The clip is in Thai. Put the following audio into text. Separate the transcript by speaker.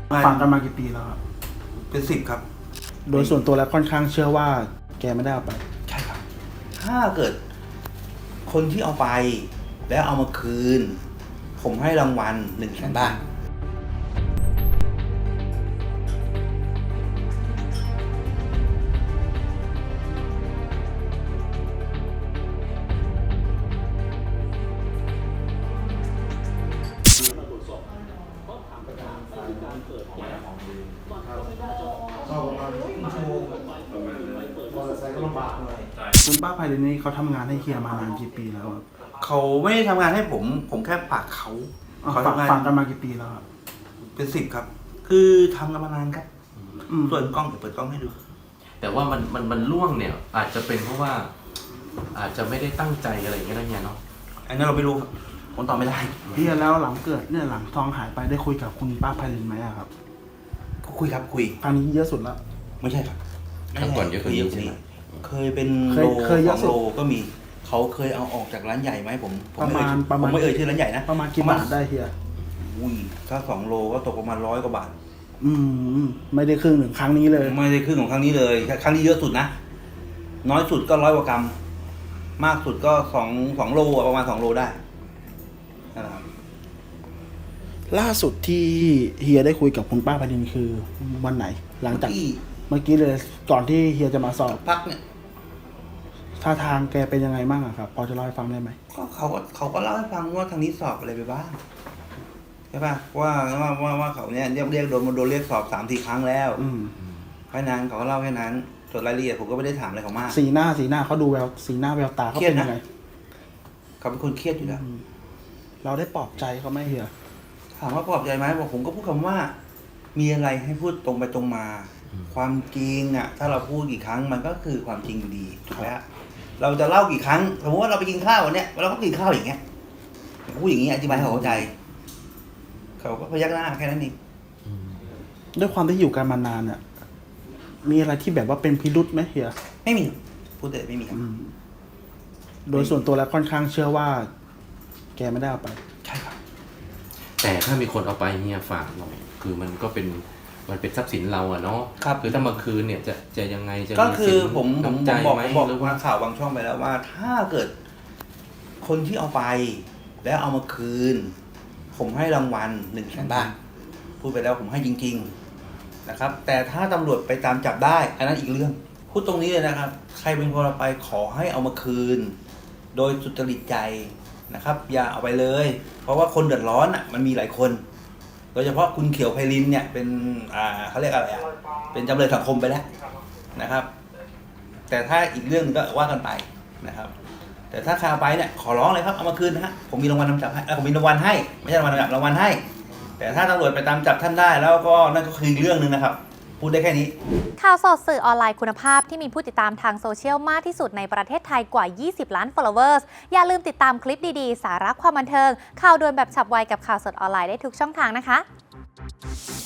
Speaker 1: ฟังกันมากี่ปีแล้วครับ
Speaker 2: เป็น10 ครับ
Speaker 1: โดยส่วนตัวแล้วค่อนข้างเชื่อว่าแกไม่ได้เอาไป
Speaker 2: ใช่ครับ ถ้าเกิดคนที่เอาไปแล้วเอามาคืน ผมให้รางวัล100,000 บาท
Speaker 1: คุณป้าไพรินนี่เขาทำงานให้เฮียมานานกี่ปีแล้วครับ
Speaker 2: เขาไม่ได้ทำงานให้ผม ผมแค่ฝากเขา
Speaker 1: ฟัง
Speaker 2: ทำงาน
Speaker 1: กันมากี่ปีแล้วครับ
Speaker 2: เป็น10 ครับ คือทำกันมานานครับ ส่วนกล้องเดี๋ยวเปิดกล้องให้ดู
Speaker 3: แต่ว่ามันล่วงเนี่ย อาจจะเป็นเพราะว่า อาจจะไม่ได้ตั้งใจอะไรอย่างเงี้ยนะเนี่ยเนาะ
Speaker 2: อันนี้เราไม่รู้ครับผมตอบไม่ได้
Speaker 1: เฮียแล้วหลังเกิดเนี่ยหลังทองหายไปได้คุยกับคุณป้าไพรินไหมอะครับ
Speaker 2: ก็คุยครับคุย
Speaker 1: ครั้งนี้เยอะสุดแล้ว
Speaker 2: ไม่ใช่ครับ
Speaker 3: ครั้งก่อนเยอะกว่านี้ใช่ไหม
Speaker 2: เคยเป็น
Speaker 1: เคยเยอะ
Speaker 2: 2
Speaker 1: สุด
Speaker 2: โลก็มี เขาเคยเอาออกจากร้านใหญ่ไหมผม
Speaker 1: ประมาณ
Speaker 2: ผมไม่เอ่ยชื่อร้านใหญ่นะ
Speaker 1: ประมาณกี่บาทได้เฮีย
Speaker 2: อุ้ยถ้า2 โลก็ตกประมาณ100 กว่าบาท
Speaker 1: ไม่ได้ครึ่งหนึ่งครั้งนี้เลย
Speaker 2: ไม่ได้ครึ่งของครั้งนี้เลยครั้งนี้เยอะสุดนะ น้อยสุดก็100 กว่ากรัม มากสุดก็2 โลอะประมาณ2 โลได้นั่นแหละครับ
Speaker 1: ล่าสุดที่เฮียได้คุยกับคุณป้าไพรินคือวันไหน หลังจาก
Speaker 2: ที่
Speaker 1: เมื่อกี้เลยก่อนที่เฮียจะมาสอบ
Speaker 2: พักเนี่ย
Speaker 1: ท่าทางแกเป็นยังไงบ้างอะครับพอจะเล่าให้ฟังได้ไหม
Speaker 2: ก็เขาก็เล่าให้ฟังว่าทางนี้สอบอะไรไปบ้างใช่ป่ะว่าเขาเนี่ยเรียกโดนเรียกสอบ3-4 ครั้งแล้วแค่นั้นเขาก็เล่าแค่นั้นส่วนรายละเอียดผมก็ไม่ได้ถามอะไรเขามาก
Speaker 1: สีหน้าเขาดูแววสีหน้าแววตาเขาเป็นยังไง
Speaker 2: เขาเป็นคนเครียดอยู่แล้ว
Speaker 1: เราได้ปลอบใจเขาไหมเฮีย
Speaker 2: ถามว่าปลอบใจไหมบอกผมก็พูดคำว่า มีอะไรให้พูดตรงไปตรงมา ความจริงอ่ะ ถ้าเราพูดกี่ครั้งมันก็คือความจริงอยู่ดีถูกไหมฮะเราจะเล่ากี่ครั้งสมมติว่าเราไปกินข้าววันเนี้ยเราก็กินข้าวอย่างเงี้ยพูดอย่างงี้อธิบายให้เขาเข้าใจเขาก็พยักหน้าแค่นั้นเอง
Speaker 1: ด้วยความที่อยู่กันมานานเนี่ยมีอะไรที่แบบว่าเป็นพิรุษไหมเฮีย
Speaker 2: ไม่มีพูดแต่ไม่มีครับ
Speaker 1: โดยส่วนตัวแล้วค่อนข้างเชื่อว่า แกไม่ได้เอาไป
Speaker 2: ใช่ครับ
Speaker 3: แต่ถ้ามีคนเอาไปเนี่ยฝากหน่อย คือมันเป็นทรัพย์สินเราอะเนาะ
Speaker 2: ครับ
Speaker 3: คือถ้ามาคืนเนี่ยจะยังไงจะ
Speaker 2: ก็คือ
Speaker 3: สิน
Speaker 2: ผม
Speaker 3: น้ำใจ
Speaker 2: บอก
Speaker 3: ไหม
Speaker 2: บอก
Speaker 3: หรือ
Speaker 2: ว่า
Speaker 3: ว่า
Speaker 2: ข่าวบางช่องไปแล้วว่า ถ้าเกิด คนที่เอาไป แล้วเอามาคืน ผมให้รางวัล100,000 บาทพูดไปแล้วผมให้จริง ๆนะครับ แต่ถ้าตำรวจไปตามจับได้ อันนั้นอีกเรื่องพูดตรงนี้เลยนะครับ ใครเป็นคนเอาไปขอให้เอามาคืน โดยสุจริตใจนะครับ อย่าเอาไปเลย เพราะว่าคนเดือดร้อนอ่ะมันมีหลายคน โดยเฉพาะคุณเขียวไพรินเนี่ยเป็นเขาเรียกอะไรอ่ะเป็นจำเลยสังคมไปแล้วนะครับ แต่ถ้าอีกเรื่องนึงก็ว่ากันไปนะครับ แต่ถ้าใครเอาไปเนี่ยขอร้องเลยครับเอามาคืนนะฮะผมมีรางวัลนำจับให้ผมมีรางวัลให้ไม่ใช่รางวัลนำจับรางวัลให้ แต่ถ้าตำรวจไปตามจับท่านได้แล้วก็นั่นก็คืออีกเรื่องนึงนะครับ พูดได้แค่นี้
Speaker 4: ข่าวสดสื่อออนไลน์คุณภาพที่มีผู้ติดตามทางโซเชียลมากที่สุดในประเทศไทยกว่า 20 ล้าน followers อย่าลืมติดตามคลิปดีๆ สาระความบันเทิง ข่าวด่วนแบบฉับไวกับข่าวสดออนไลน์ได้ทุกช่องทางนะคะ